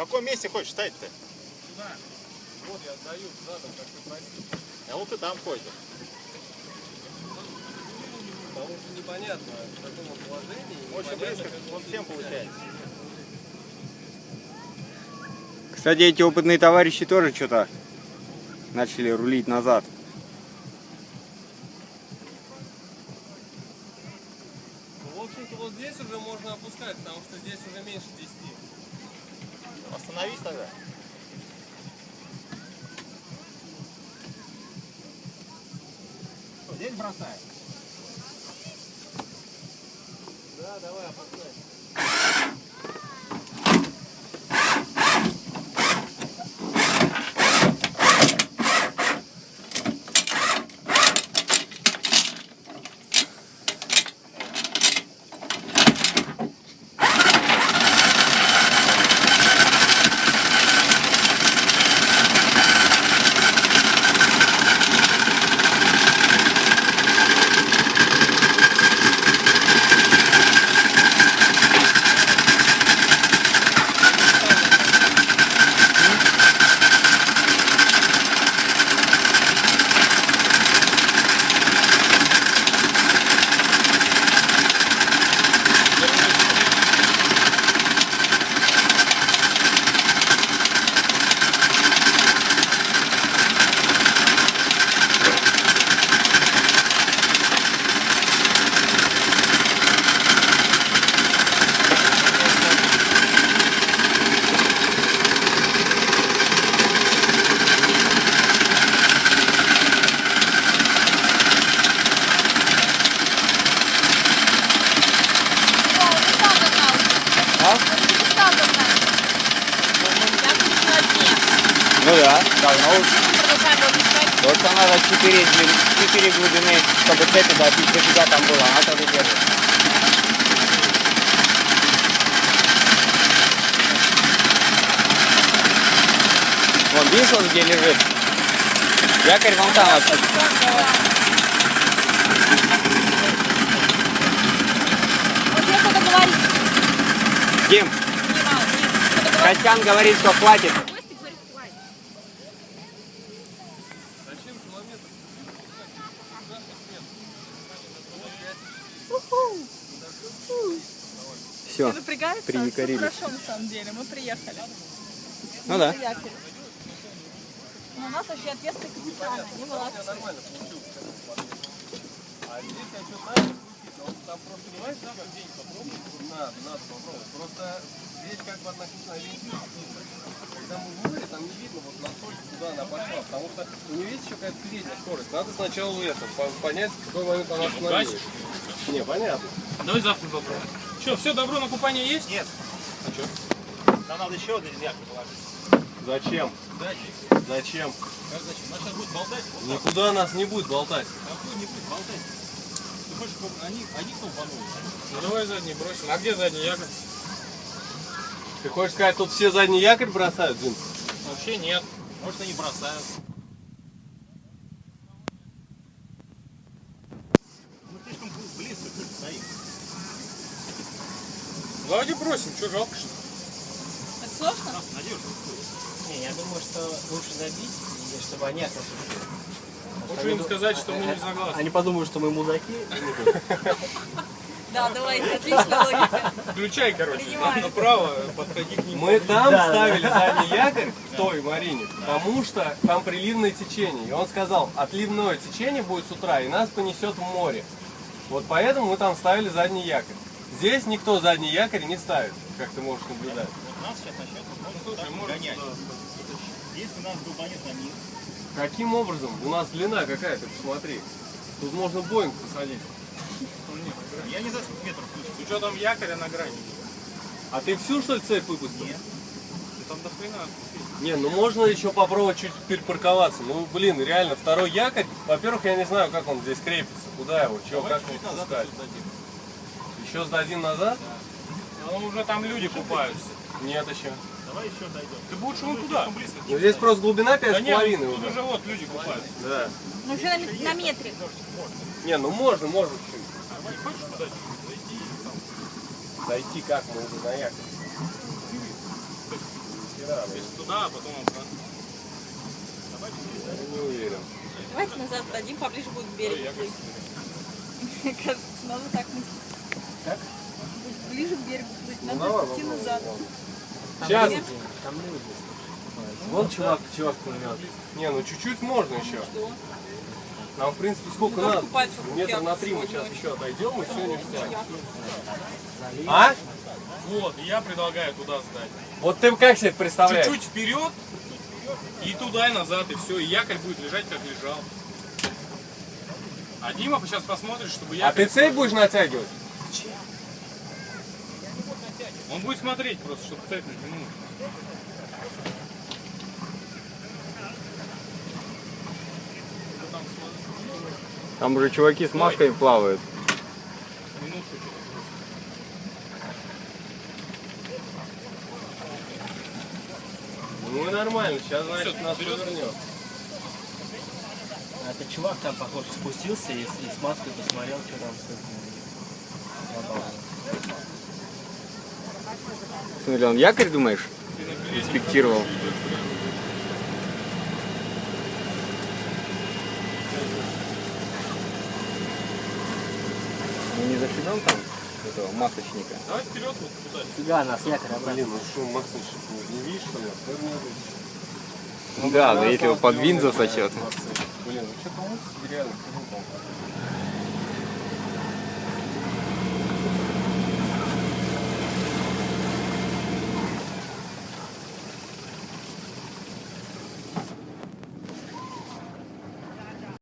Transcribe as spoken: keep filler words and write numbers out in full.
каком месте хочешь стать-то? Сюда. Вот я отдаю задом, как ты просил. А вот ты там ходишь. Потому что непонятно, в каком положении. Очень близко, вот всем получается. Кстати, эти опытные товарищи тоже что-то начали рулить назад. Ну, в общем-то, вот здесь уже можно опускать, потому что здесь уже меньше десяти. Остановись тогда. Что, здесь бросаем? Да, давай, опускай. Ну да, давно уже. Вот там надо четыре глубины, чтобы цепи до дофига там было, она тогда держит. Вон, видишь, он где лежит? Якорь вон там отсюда. Вот я что-то говорит. Дим, Костян говорит, что хватит. Зачем километр? Все, Все напрягаются? приякорились. Все хорошо, на самом деле, мы приехали. Ну да. Приехали. Но у нас вообще ответственный капитан, они молодцы. Я нормально получил. А здесь я что-то начал крутить, но там просто не знаешь, да, как день попробовать? Надо, надо попробовать. Просто здесь как бы относительно ориентир. Когда мы в море, там не видно вот настолько, куда она пошла. Потому что у нее есть еще какая-то передняя скорость. Надо сначала это, понять, в какой момент она остановилась. Не, понятно. Давай завтра попробуем. Что, все, добро на купание есть? Нет. А что? Нам надо еще один якорь положить. Зачем? Дальше. Зачем? Как зачем? Нас сейчас будет болтать. Вот так. Никуда нас не будет болтать. Какой не будет болтать? Ты хочешь, чтобы они, они толпанули? Ну давай задний бросим. А где задний якорь? Ты хочешь сказать, тут все задний якорь бросают, Дим? Вообще нет. Может, они бросают. Мы слишком близко к ним стоим. Давайте бросим, что жалко что? Это сложно? А, надежно. Не, я думаю, что лучше забить, и чтобы они отошли. Лучше им сказать, что мы не согласны. Они подумают, что мы мудаки. Да, давайте, отличная логика. Включай, короче, Принимаю. направо, подходи к ним. Мы там Да, ставили задний якорь в той Марине, потому что там приливное течение. И он сказал, отливное течение будет с утра, и нас понесет в море. Вот поэтому мы там ставили задний якорь. Здесь никто задний якорь не ставит, как ты можешь наблюдать. Вот нас сейчас начнет Ну, слушай, может, гонять. да. Если нас долбанет на них, Каким образом? У нас длина какая, ты посмотри. Тут можно Боинг посадить. я не знаю, сколько метров слышу. С учетом якоря на грани. А ты всю, что ли, цепь выпустил? Нет. Ты там до хрена отцепись. Не, ну можно еще попробовать чуть перепарковаться. Ну, блин, реально, второй якорь, во-первых, я не знаю, как он здесь крепится, куда его, чего, Давай как его чуть назад спускать. еще сдадим. Еще сдадим назад? Ну уже там люди купаются. Нет еще. Давай еще дойдем. Ты будешь вон туда. Слишком близко. Ну, здесь просто глубина пять Да с нет, половиной тут уже. уже вот люди купаются. Да. Ну, уже на, на метре. Не, ну можно, можно чуть. Давай, хочешь туда чуть-чуть зайти и там. Дойти как мы уже на якорь. Если туда, а потом обратно. Не уверен. Давайте назад дадим, поближе будет к берегу плыть. Мне кажется, надо так мыслить. Как? Будет ближе к берегу плыть, Ну, надо давай идти попробуем. назад. Там Сейчас. люди, там люди. Вон чувак, чувак плывет. Не, ну чуть-чуть можно еще. Что? Нам, в принципе, сколько Ну, тоже надо? купаться в Метр реке на три мы сегодня сейчас очень. еще отойдем, и все ништяк. Залив. А? Вот, и я предлагаю туда сдать. Вот ты как себе представляешь? Чуть-чуть вперед, и туда, и назад, и все. И якорь будет лежать, как лежал. А Дима сейчас посмотрит, чтобы А якорь... ты цепь будешь натягивать? Он будет смотреть просто, чтобы цепь натянуть. Там уже чуваки с масками плавают. Минутку. Ну и нормально, сейчас, значит, Всё, нас вперед. повернет. А этот чувак там, похоже, спустился и, с- и с маской посмотрел, что там с этим. Забавно. Смотри, он якорь, думаешь, инспектировал? Мы не зашибем там этого масочника? Давай вперед вот туда. Фига, нас якорь обратно. Блин, ну что, Максыч, не видишь, что ли? Повернет. Да, да, если его под винт засосет. Блин, ну что-то лучше реально, фигу там.